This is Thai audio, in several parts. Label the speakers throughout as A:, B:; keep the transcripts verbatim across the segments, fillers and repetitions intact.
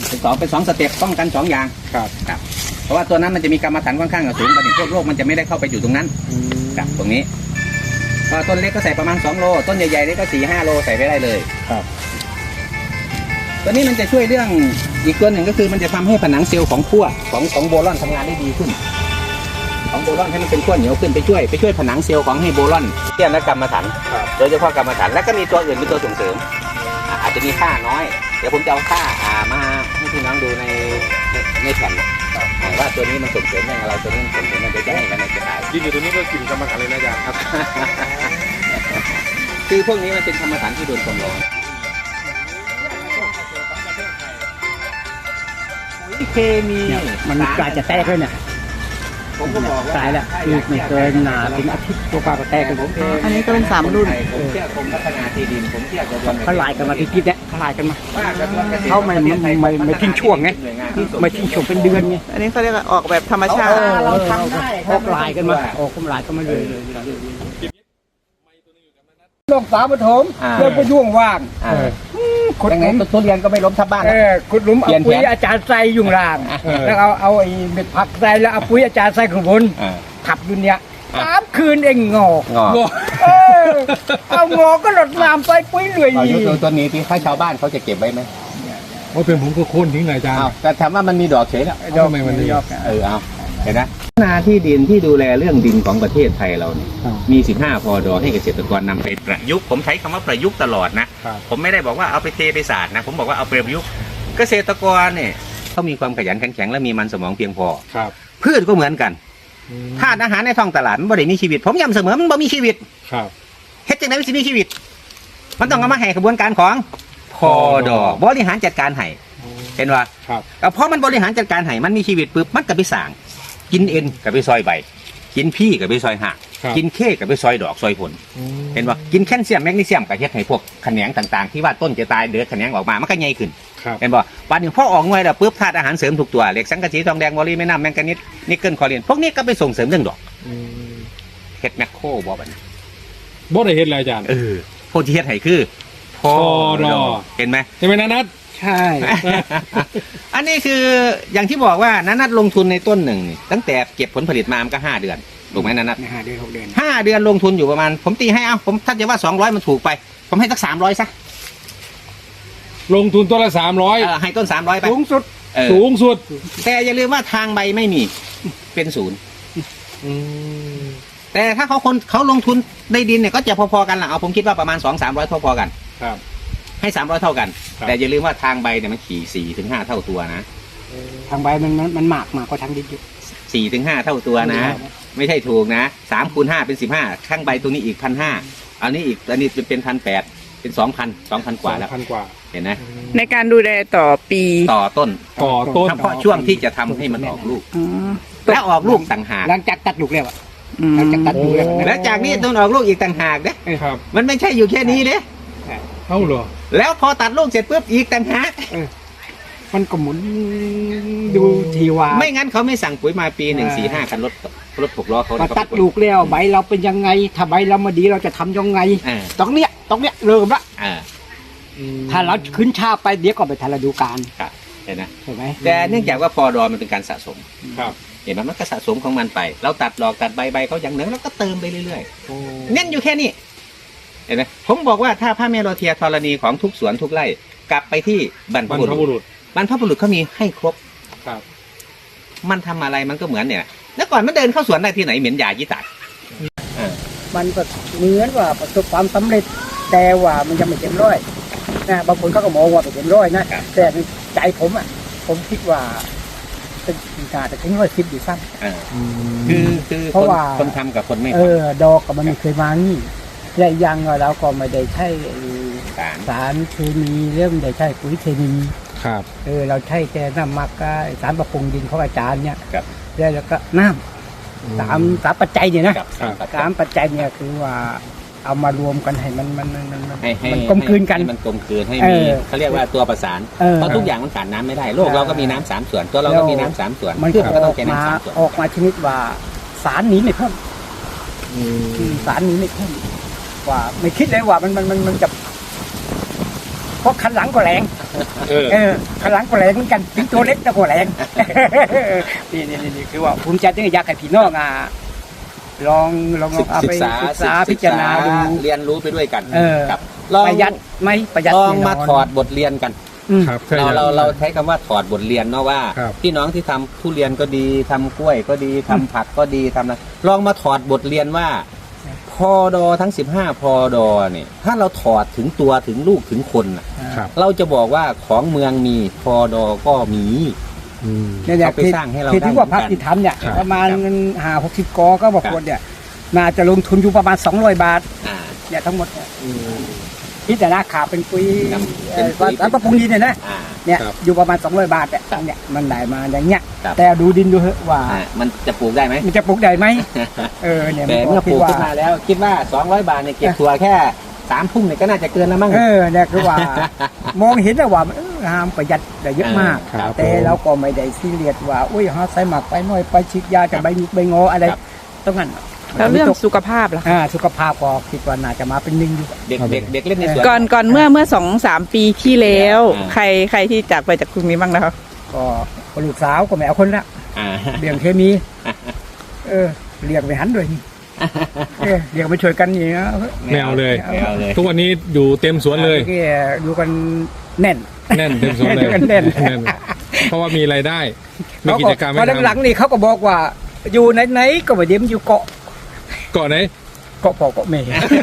A: เป็นสองเป็นสองสเต็ปป้องกันสองอย่าง
B: ครับ
A: ครับเพราะว่าตัวนั้นมันจะมีกรรมฐานค่อนข้างสูงประเด็นพวกโรคมันจะไม่ได้เข้าไปอยู่ตรงนั้นครับตรงนี้พอต้นเล็กก็ใส่ประมาณสองโลต้นใหญ่ๆนี่ก็สี่ห้าโลใส่ไปได้เลย
B: ครับ
A: ตัวนี้มันจะช่วยเรื่องอีกตัวหนึ่งก็คือมันจะทำให้ผนังเซลล์ของขั้วของของโบลอนทำงานได้ดีขึ้นของโบลอนให้มันเป็นขั้วเหนียวขึ้นไปช่วยไปช่วยผนังเซลล์ของให้โบลอนเทียมและกรรมฐานโดยเฉพาะกรรมฐานและก็มีตัวอื่นเป็นตัวส่งเสริมอาจจะมีค่าน้อยเดี๋ยวผมจะเอาค่ามาให้พี่น้องดูในในแผ่นว่าตัวนี้มันส่งเสริมเรื่องอะไรตัวนี้มันส่งเสริมมันจะให้กันในกระต่าย
B: ดินอยู่ตัวนี้ก็กินกรรมฐานเลยนะอาจารย์ครับ
A: คือพวกนี้มันเป็นกรรมฐานที่โดนความร้อนเคมี
C: มันกลายจะแตกเลยเนี่ย
A: ผมก็บอกว่า
C: ตายแล้วคือไม่เกินหนาถึงอาทิตย์ตัวปลาก็แตกกันผม
D: อันนี้ก็เป็นสามรุ่น
A: ผมเชื่อกรมพัฒนาที่ดินผมเชื่อกระทรวง
C: เขาลายกันมาที่คิดเนี่ยเขาลายกันมาเขาไม่ไม่ไม่ไม่ทิ้งช่วงไงไม่ทิ้งช่วงเป็นเดือนไง
D: อันนี้เขาเรียกออกแบบธรรมชาติ
C: เราทำได้ออกลายกันมาออกลายกันมาเลยลงสามปฐมเริ่มไปย่วงว่าง
A: ขุดหลุมทุเรียนก็ไม่ล้มทับบ้าน
C: เออขุดหลุมเอาปุ๋ยอาจารย์ใส่ยุ่งล่างแล้วเอาเอาไอ้เม็ดผักใส่แล้วเอาปุ๋ยอาจารย์ใส่ข้างบนทับอยู่เนี่ยสามคืนเองงอกงอเอางอก็หลดน้ำใส่ปุ๋ยเลย
A: ตัวนี้ที่ข้าชาวบ้านเขาจะเก็บไว้ไหม
B: ว่าเป็นผมก็โค่นทิ้งเลยอาจารย์
A: แต่ถามว่ามันมีดอกเฉยแล้ว
B: ดอกไม่มันยอด
A: เออเอาเห็นนะนาที่ดินที่ดูแลเรื่องดินของประเทศไทยเราเนี่ยมีสิบห้าพอดอให้เกษตรกรนำไปประยุกต์ผมใช้คำว่าประยุกต์ตลอดนะผมไม่ได้บอกว่าเอาไปเทไปศาสตร์นะผมบอกว่าเอาไปประยุกต์เกษตรกรเนี่ยเขามีความขยันขันแข็งและมีมันสมองเพียงพอพืชก็เหมือนกันธาตุอาหารในท้องตลาดมันบ่ได้มีชีวิตผมย้ำเสมอมันบ่มีชีวิตเฮ็ดจังได๋มันสิมีชีวิตมันต้องเอามาให้กระบวนการของพอดอบริหารจัดการให้เห็นว่าก็เพราะมันบริหารจัดการให้มันมีชีวิตปุ๊บมันก็ไปสร้างกินเอ็นกับไปซอยใบกินพี่กับไปซอยหักกินเคกับไปซอยดอกซอยผลเห็นว่ากินแคลเซียมแมกนีเซียมกับเฮ็ดให้พวกแขนงต่างๆที่ว่าต้นจะตายเดือดแขนงออกมามันก็ใหญ่ขึ้นเห็นบ่วันนี้พอออกหน่วยแล้วปุ๊บธาตุอาหารเสริมทุกตัวเหล็กสังกะสีทองแดงวอลลีแม่น้ำแมงกานีสนิกเกิลคอลินพวกนี้ก็ไปส่งเสริมเรื่องดอกเฮ็ดแมคโครบ่บัดนี้
B: บ่ได้เฮ็ดอะไรอาจารย์
A: เออพวกที่เฮ็ดให้คือพอดอเห็นไหม
B: ใช่ไหมนัท
C: ใช่
A: อันนี้คืออย่างที่บอกว่านัทลงทุนในต้นหนึ่งตั้งแต่เก็บผลผลิตมามันก็ห้าเดือนถูกไหมนัท
C: ห้าเดือนหกเดือน
A: ห้าเดือนลงทุนอยู่ประมาณผมตีให้เอาผมถ้าจะว่าสองร้อยมันถูกไปผมให้สักสามร้อยซะ
B: ลงทุนต้นละสามร้อย
A: ให้ต้นสามร้อยไป
C: สูงสุด
B: สูงสุด
A: แต่อย่าลืมว่าทางใบไม่มีเป็นศูนย์แต่ถ้าเขาคนเขาลงทุนในดินเนี่ยก็จะพอๆกันแหละเอาผมคิดว่าประมาณสองสามร้อยพอๆกัน
B: ครับ
A: ให้สามร้อยเท่ากันแต่อย่าลืมว่าทางใบเนี่ยมันขี่สี่ถึงห้าเท่าตัวนะ
C: ทางใบมันมันมากมากกว่าทางดินอยู่
A: สี่ถึงห้าเท่าตัวนะไม่ใช่ถูกนะสามคูณห้าเป็นสิบห้าข้างใบตรงนี้อีกพันห้าอันนี้อีกอันนี้เป็นพันแปดเป็นสองพันสองพันกว่าแล้ว
B: พันกว่า
A: เห็นไหม
D: ในการดูแลต่อปี
A: ต่อต้น
B: ต่อต้น
A: เฉพาะช่วงที่จะทำให้มันออกลูกและออกลูกต่างหาก
C: หลังจากตัดลูกแล้วหลังจากตัดลูกแล้ว
A: แล้วจากนี้ต้นออกลูกอีกต่างหากเด้มันไม่ใช่อยู่แค่นี้เด้
B: เอ้าเหรอ
A: แล้วพอตัดลูกเสร็จปุ๊บอีกต่างหาก
C: มันก็หมุนดูทีว่า
A: ไม่งั้นเขาไม่สั่งปุ๋ยมาปีหนึ่งสี่ห้าคันรถรถหกล้อเขา
C: ตัดลูกแล้วใบเราเป็นยังไงถ้าใบเรามาดีเราจะทำยังไงตรงเนี้ยตรงเนี้ยเริ่มละถ้าเราขึ้นช้าไปเดี๋ยวก็ไปทันฤดูกาล
A: เห็นไหม
C: ใช่ไหม
A: แต่เนื่องจากว่าพอดอมันเป็นการสะสม
B: ครับ
A: เห็นไหมมันก็สะสมของมันไปเราตัดดอกตัดใบใบเขาอย่างหนึ่งแล้วก็เติมไปเรื่อยๆเน้นอยู่แค่นี้เห็นไหมผมบอกว่าถ้าพระเมโลเทียธรณีของทุกสวนทุกไร่กลับไปที่บรรพบุรุษบรรพบุรุษเขามีให้ครบ
B: ครับ
A: มันทำอะไรมันก็เหมือนเนี่ยแล้วก่อนมันเดินเข้าสวนได้ที่ไหนเหม็นยายี่ตัด
C: มันก็เหมือนว่าประสบความสำเร็จแต่ว่ามันยังไม่เต็มร้อยนะบางคนเขาก็มองว่าไม่เต็มร้อยนะแต่ในใจผมอ่ะผมคิดว่าเป็นการแต่ถึงร้อยสิบอยู่สั้น
A: คือคือเพราะว่าคนทำกับคนไม่
C: เออดอกกับมันเคยมานี่และยังเราก็ไม่ได้ใช้สารเคมีเรื่องไม่ได้ใช้ปุ๋ยเคมี
B: ครับ
C: เออเราใช้แค่น้ำหมักสารประปรุงดินของอาจารย์เนี่ยแล้วก็น้ำสามสามปัจจัยเนี่ยนะสามปัจจัยเนี่ยคือว่าเอามารวมกันให้มันมันมันมันกลมกลืนกัน
A: มันกลมกลืนให้มีเขาเรียกว่าตัวประสานเพราะทุกอย่างมันขาดน้ำไม่ได้โลกเราก็มีน้ำสามส่วนตัวเราก็มีน้ำสามส่วน
C: มันก็ต้องมาออกมาชนิดว่าสารนี้ไม่เพิ่มสารนี้ไม่เพิ่มว่าไม่คิดเลยว่ามันมันมันมันจะราะคันหลังก็แรง
B: เออ
C: เออคันหลังก็แรงเหมือนกันถึงตัวเล็กแต่ก็แรง นี่นี่นี่คือว่าภูมิใจที่อยากให้พี่น้องอ่ะลองลองลองเอา
A: ศึ
C: ไป
A: กษา
C: ศึกษาพิจารณาดู
A: เรียนรู้ไปด้วยกัน
C: เออ
A: ครับลอง
C: ประหยัดไหมประหยัด
A: ลอง
C: แน่นน
A: มาถอดบทเรียนกัน
C: อืม
B: ครับใช่
A: เรา
B: ค
A: เรา
B: บ
A: เราใช้คำว่าถอดบทเรียนเนาะว่า
B: ครับ
A: พี่น้องที่ทำทุเรียนก็ดีทำกล้วยก็ดีทำผักก็ดีทำอะไรลองมาถอดบทเรียนว่าพอดอทั้งสิบห้าพอดอเนี่ยถ้าเราถอดถึงตัวถึงลูกถึงคนน่ะ
B: ครับ
A: เราจะบอกว่าของเมืองมีพอดอก็มี
B: อืม
C: เนี่ยเนี่ย
A: เอาไปสร้างให้เรา
C: ที่ที่
A: ได้
C: ว่าพัก
A: เหมือนกัน
C: ที่ทำเนี่ย
B: ครับ
C: ประมาณ
A: ครับ
C: ห้าหกสิบกอก็บอกคนเนี่ยน่าจะลงทุนอยู่ประมาณสองร้อยบาท
A: อ่า
C: เนี่ยทั้งหมดเนี่ยที่แต่ราคาเป็นปุ๋ย
A: ครับ
C: เอ่อ
A: เป็นปุ๋ย
C: สารปรับปรุงดินเนี่ยนะ
A: อ่า
C: เนี่ย
B: ครับ
C: อยู่ประมาณสองร้อยบาทเนี่ย
A: ครับ
C: เนี่ยมันได้มาอย่างเงี้ย
A: ครับ
C: แต่ดูดินดูเถอะว่า
A: อ่ามันจะปลูกได้ไหม
C: มันจะปลูกได้ไหมเออเนี่ย
A: แต่เมื่อป
C: คิ
A: ลู
C: ด
A: ก
C: ว่า
A: ขึ้นมาแล้ว คิดว่าสองร้อยบาทเนี่ยเก็บถั่วแค่สามพุ่มเนี่ยก็น่าจะเกินแล้วมั้ง
C: เออเนี่ยคือว่า มองเห็นแล้วว่าเออห้ามประหยัดได้เยอะมาก
B: ครับ
C: แต่เราก็ไม่ได้ซีเรียสว่าอุ้ยหาใส่หมักไปหน่อยไปฉีดยาจะใบหงิกใบงออะไร
A: ครับ
C: ต้องงั้น
D: แล้วเรื่องสุขภาพล่ะคะ
C: อ่าสุขภาพก็คิดว่าน่าจะมาเป็นหนึ่งอยู่
A: เด็กเด็กเด็กเล่นในสวน
D: ก่อนก่อนเมื่อเมื่อสองสามปีที่แล้ว
A: อ่า
D: ใครใครที่จากไปจากกรุงนี้บ้างนะครับ
C: ก็คนลูกสาวก็ไม่เอาคนละ
A: อ่า
C: เลี้ยงเคมี เออเลี้ยงไปหันด้วยนี่เออเลี้ยงไปช่วยกันอย่างเงี้ย
B: ไม่เอาเลย
A: ไม่เอาเลย
B: ทุกวันนี้อยู่เต็มสวนเลย
C: มื่อกี้อยู่กันแน่น
B: แน่นเต็มสวนเลย
C: อยู่กันแน่น
B: เพราะว่ามีรายได้ มีกิจกรรม
C: พ
B: ให้
C: อหลัง
B: ทำ
C: ๆนี่เขาก็บอกว่า อยู่ไหนๆก็มาเยี่ยมอยู่เกาะ
B: เกาะไหน
C: เกาะพ่อเกาะแม่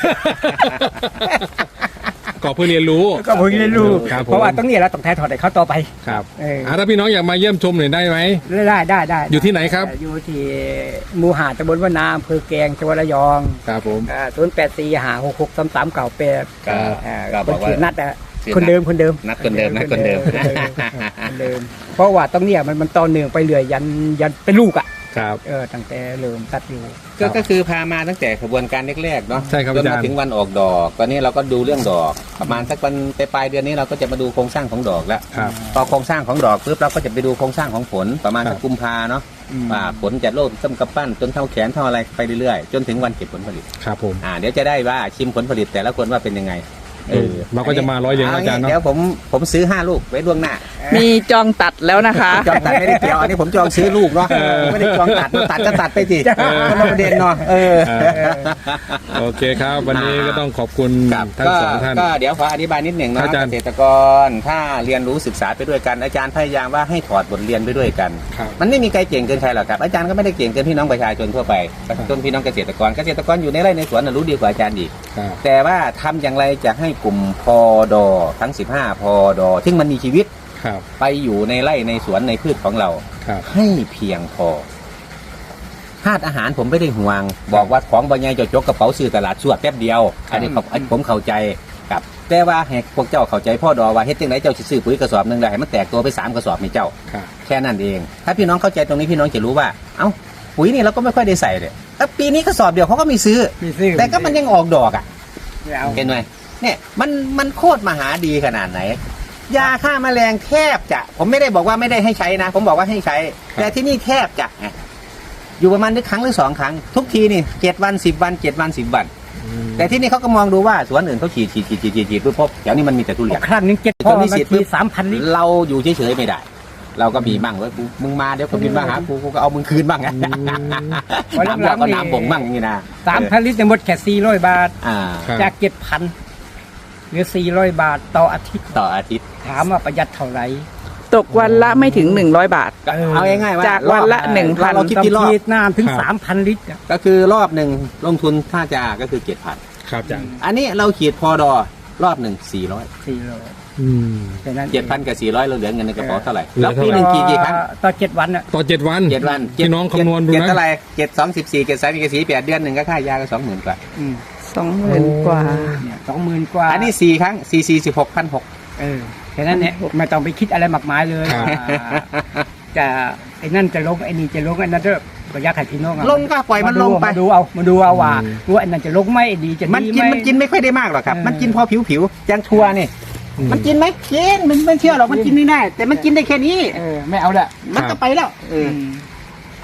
B: เกาะเพื่อเรียนรู้
C: ก็เพิ่งได้รู้
B: ครับผม
C: เพราะว่าตรงนี้เราต้องแทนถอดให้เขาต่อไป
B: ครับ
C: เออ
B: อ่าถ้าพี่น้องอยากมาเยี่ยมชมหน่อยได้ไหม
C: ได้ได้ได้
B: อยู่ที่ไหนครับ
C: อยู่ที่หมู่หาดตำบลวนาอำเภอแกลงจังหวัดระยอง
B: ครับผม
C: ศูนย์แปดสี่หาหกหกสามสามเก่าแปด
A: ครับ
C: อ่า
A: ก็
C: ค
A: บอน กว่า
C: ชื่อนัดอะ
A: ชื่อนัด
C: คนเดิมคนเดิม
A: นัดคนเดิมนัดคนเดิม
C: คนเดิม เพราะว่าตรงเนี้ยมันมันต่อเนื่องไปเรื่อยยันยันเป็นลูกอ่ะ
B: ครับ
C: เออตั้งแต่เริ่มตัดอยู่
A: ก็ก็คือพามาตั้งแต่ขบวนการแรกๆเนาะ
B: ใช่ครับ
A: จน
B: อาจาร
A: มา
B: ย์
A: ถึงวันออกดอก ตอนนี้เราก็ดูเรื่องดอก ประมาณสักวันปลายๆเดือนนี้เราก็จะมาดูโครงสร้างของดอกแล้ว
B: ครับ
A: พอโครงสร้างของดอกปุ๊บเราก็จะไปดูโครงสร้างของผลประมาณ
B: ครั
A: สั
B: บ
A: กกุมภาเนาะว่าผลจะโลดต้นกระปั้นจนเท่าแขนเท่าอะไรไปเรื่อยๆจนถึงวันเก็บผลผลิต
B: ครับผม
A: อ่าเดี๋ยวจะได้ว่าชิมผลผลิตแต่ละคนว่าเป็นยังไง
B: เออเราก็จะมาร้อยเรียงอาจารย์เนอะ
A: เดี๋ยวผมผมซื้อห้าลูกไว้ล่วงหน้า
D: มีจองตัดแล้วนะคะ
A: จองตัดไม่ได้เกี่ยวอันนี้ผมจองซื้อลูกเนาะไม่ได้จองตัดตัดก็ตัดไปสิคนละประเด็นเนาะเออ
B: โอเคครับ วันนี้ก็ต้องขอบคุณ
A: ครับ
B: ทั้ง
A: ก็
B: สองท่าน
A: ก็เดี๋ยวขออธิบายนิดหนึ่ง
B: ครั
A: เนาะ
B: บอาจารย์
A: เกษตรกรถ้าเรียนรู้ศึกษาไปด้วยกันอาจารย์พยายามว่าให้ถอดบทเรียนไปด้วยกัน
B: ครับ
A: มันไม่มีใครเก่งเกินใครหรอกครับอาจารย์ก็ไม่ได้เก่งเกินพี่น้องประชาชนทั่วไปจนพี่น้องเกษตรกรเกษตรกรอยู่ในไร่ในสวนน่ะรู้ดีกว่าอาจารย์อีก
B: ครับ
A: แต่ว่าทำอย่างไรจะให้กลุ่มพอดอทั้งสิบห้าพอดอซึ่งมันมีชีวิต
B: ครับ
A: ไปอยู่ในไร่ในสวนในพืชของเรา
B: ครับ
A: ให้เพียงพอธาตุอาหารผมไม่ได้ห่วง บอกว่าของบางอย่างจะจกกระเป๋าซื้อตลาดสวดแป๊บเดียว อันนี้เขาอันผมเข้าใจครับแต่ว่าให้พวกเจ้าเข้าใจพ่อดอว่าเฮ็ดจังไหนเจ้าสิซื้อปุ๋ยกระสอบหนึงได้ให้มันแตกตัวไปสามกระสอบให้เจ้า
B: ครับ
A: แค่นั้นเอง ถ้าพี่น้องเข้าใจตรงนี้พี่น้องจะรู้ว่า เอ้าปุ๋ยนี่เราก็ไม่ค่อยได้ใส่เลยแล้วปีนี้กระสอบเดียวเขาก็มีซื้อ
C: มีซื้อ
A: แต่ก็มันยังออกดอกอ่ะ
C: ไม่เอา
A: เห็นไหมเนี่ยมันมันโคตรมหาดีขนาดไหน ยาฆ่าแมลงแทบจะ ผมไม่ได้บอกว่าไม่ได้ให้ใช้นะ ผมบอกว่าให้ใช้ แต่ที่นี่แทบจะไงอยู่ประมาณนึกครั้งหรือสองครั้ง ทุกทีนี่เจ็ดวันสิบวันเจ็ดวันสิบวัน แต่ที่นี่เขาก็มองดูว่าสวนอื่นเขาฉีดฉีดฉีดฉีดฉีดฉีดปุ๊บปุ๊บแถวนี้มันมีแต่ทุเรียน
C: ครั้งนึงเจ็ด
A: ต
C: พ่อ
A: อนนี้
C: นา
A: ฉีด
C: ที
A: ปุ๊บ
C: สามพันลิตร
A: เราอยู่เฉยๆไม่ได้ เราก็มีบ้างเว้ยกูมึงมาเดี๋ยวคนบินมาหากูกูก็เอามึงคืนบ้างไงน้ำยาก็น้ำบ่งบ้างอย่างนี้นะ
C: สามพันลิตรเนี่ยหมดแค่สี่ร้อยบาท
A: อ่า
B: ครับ
C: จากเจ็ดพันเหลือสี่ร้อยบาทต่ออาทิตย์
A: ต่ออาทิตย์
C: ถามว่าประหยัดเท่าไหร่
D: ตกวันละไม่ถึงหนึ่งร้อยบาท
A: ก็เอาง่ายๆว่า
D: จากวันละ
A: รอบ
D: หนึ่งพัน
A: เราคิดที่รอบ
C: ฉีดน้ำถึง
B: ครับ
C: สามพันลิตรอะ
A: ก็คือรอบหนึ่งลงทุนถ้าจะก็คือเจ็ดพัน
B: ครับอาจารย์
A: อันนี้เราขีดพอดอรอบหนึ่งสี่ร้อย
C: สี่ร้อย
B: อืม
C: แค่นั้น
A: เจ็ดพันกับสี่ร้อยเราเหลือเงินในกระเป๋าเท่าไหร่
B: เหลือ
A: แล้วปีห
B: เท่าไหร่
A: นึ่งกี่กี่ครั้ง
C: ต่อเจ็ดวันอ่ะ
B: ต่อเจ็ดวัน
A: เจ็ดวัน
B: พี่น้องคำนวณดู
A: เจ็ด
B: นะ
A: เท่าไหร่เจ็ดสองสิบสี่เจ็ดสามสิบสี่แปดเดือนหนึ่งก็ค่ายาก็สองหมื่นกว่า
C: อืม
D: สองหมื่นกว่า
C: เนี่ยสองหมื่นกว่า
A: อันนี้สี่ครั้งสี่สี่สิบหกพันหก
C: เออแค่นั้นเนี่ยไม่ต้องไปคิดอะไรมากมายเลย
B: ครับ
C: ว่าจะไอ้นั่นจะลงไอ้นี่จะลงไอ้นั่นเด้อก็อยากให้พี่น้องอะ
A: ลงก็ปล่อยมันลงไป
C: มาดูเอามาดูเอาว่าว่าไอ้นั่นจะลงไหมไอ้นี่จะ
A: มัน
C: ดี
A: กิน
C: ไห
A: มันกินไม่ค่อยได้มากหรอกครับ
C: เออ
A: มันกินพอผิวผิวๆยังทัวนี่
B: อืม
A: มันกินไหมกินมันไม่เชื่อหรอกมันกินไม่ได้ แต่มันกินได้แค่นี้
C: เออไม่เอาละ
A: มันก็ไปแล้วเออ
C: ม
A: ท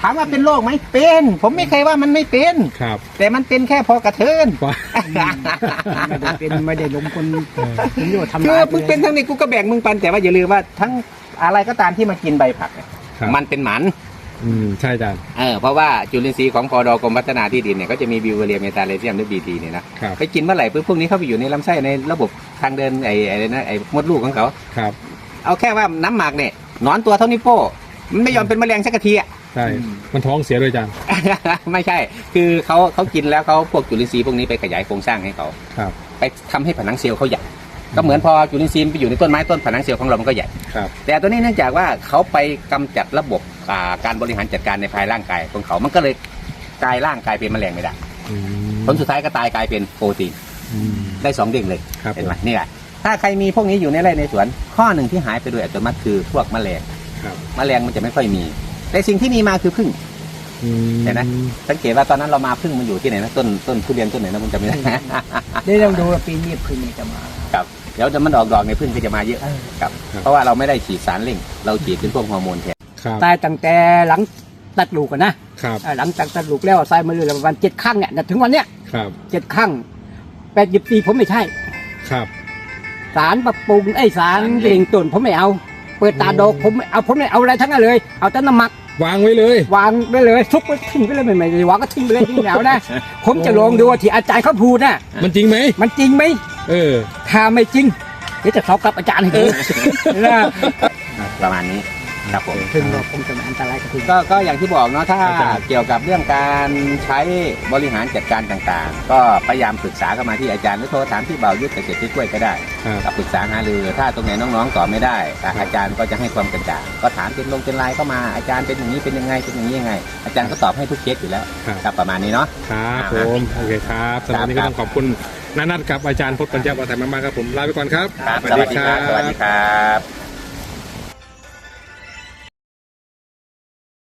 A: ามว่าเป็นโรคไหมเป็น ผมไม่เคยว่ามันไม่เป็น
B: ครับ
A: แต่มันเป็นแค่พอกระเทิน
B: ว่า
C: ไม่ได้เป็นไม่ได้ลงคนผมอยู่ทำ
A: คือ
C: ร้าย
A: มึงเป็นทั้งนี้กูก็แบ่งมึงปันแต่ว่าอย่าลืมว่าทั้งอะไรก็ตามที่มากินใบผักเนี่ย
B: ครับ
A: มันเป็นหมัน
B: อืมใช่อาจารย์
A: เออเพราะว่าจุลินทรีย์ของพอดกรมพัฒนาที่ดินเนี่ยก็จะมีบิวเวอเรียเมตาเลเซียมหรือบีทีเนี่ยนะครับ ไปกินเมื่อไหร่ปุ๊บพวกนี้เข้าไปอยู่ในลำไส้ในระบบทางเดินไอ้ไอ้นะไอ้มดลูกของเขา
B: ครับ
A: เอาแค่ว่าน้ำหมักเนี่ยหนอนตัวเท่านิ้วโป้มันไม่ยอมเป็นแมลงสักทีอ่ะ
B: ใช่ มันท้องเสียด้วยอาจารย์
A: ไม่ใช่ คือเขาเขากินแล้วเขาพวกจุลินทรีย์พวกนี้ไปขยายโครงสร้างให้เขา
B: ครับ
A: ไปทำให้ผนังเซลล์เขาใหญ่ก็เหมือนพอจุลินทรีย์ไปอยู่ในต้นไม้ต้นผนังเซลล์ของเรามันก็ใหญ่
B: ครับ
A: แต่ตัวนี้เนื่องจากว่าเขาไปกำจัดระบบอ่าการบริหารจัดการในภายร่างกายของเขา มันก็เลยกลายร่างกายเป็นแมลงไม่ได้
B: อืม
A: ผลสุดท้ายก็ตายกลายเป็นโปรตีน
B: อืม
A: ได้สองเด้งเลย
B: ครับ
A: เห็นไหมนี่แหละถ้าใครมีพวกนี้อยู่ในไร่ในสวน ข้อหนึ่งที่หายไปโดยอัตโนมัติคือพวกแมลง
B: ครับ
A: แมลงมันจะไม่ค่อยมี แต่สิ่งที่มีมาคือผึ้ง
B: อืม
A: เห็นไหม สังเกตว่าตอนนั้นเรามาผึ้งมันอยู่ที่ไหนนะต้นต้นทุเรียนต้นไหนนะผมจำไม่ได้
C: ได้ลองดูว่าปีนี้พึ่งจะมา
A: ครับเดี๋ยวจะมันออกดอกในผึ้งก็จะมาเยอะครับ เพราะว่าเราไม่ได้ฉีดสารเร่ง เราฉีดเป็นพวกฮอร์โมนแทน
B: ครับ
C: ตายตั้งแต่หลังตัดลูกอะนะครับ อ่าหลังจากตัดลูกแล้วใส่มาเลยประมาณเจ็ดครั้งเนี่ยถึงวันเนี้ย
B: ครับ
C: เจ็ดครั้งแปดยิบปีผมไม่ใช่
B: ครับ
C: สารปรับปรุงไอ้สารเร่งต้นผมไม่เอา เปิดตาดอกผมไม่เอาผมไม่เอาอะไรทั้งนั้นเลย เอาแต่น้ำหมัก
B: วางไว้เลย
C: วางไปเลยทุกไปทิ้งไปเลยไม่ไม่ได้วางก็ทิ้งไปเลยทิ้งแล้วนะ ผมจะลองดูว่าที่อาจารย์เขาพูดน่ะ
B: มันจริงไหม
C: มันจริงไหม
B: เออ
C: ถ้าไม่จริงเดี๋ยวจะสอบกับอาจารย์ให้ดูนะ
A: ประมาณนี้ครับผม
C: ถึงบอกผมจะไม่อันตรายกับคุณ
A: ก็ก็อย่างที่บอกเนาะถ้า
B: อาจารย์
A: เกี่ยวกับเรื่องการใช้บริหารจัดการต่างๆ ก็พยายามปรึกษาเข้ามาที่อาจารย์หรือโทรถามที่เบายุทธเกษตรช่วยก็ได้
B: ครับ
A: กับปรึกษาหารือถ้าตรงไหนน้องๆตอบไม่ได้อาจารย์ก็จะให้ความกระจ่างก็ถามเป็นลงเป็นไลน์เข้ามาอาจารย์เป็นอย่างนี้เป็นยังไงเป็นอย่างนี้ยังไง อาจารย์ก็ตอบให้ทุกเคสอยู่แล้ว
B: ครับ
A: ครับประมาณนี้เนาะ
B: ครับผมโอเคครับสำหรับวันนี้ก็ต้องขอบคุณนานัทกับอาจารย์พจน์ปัญญาวัฒน์มากๆครับผมลาไปก่อนครับ
A: ครับสวัสดีครับสวัสดีครับ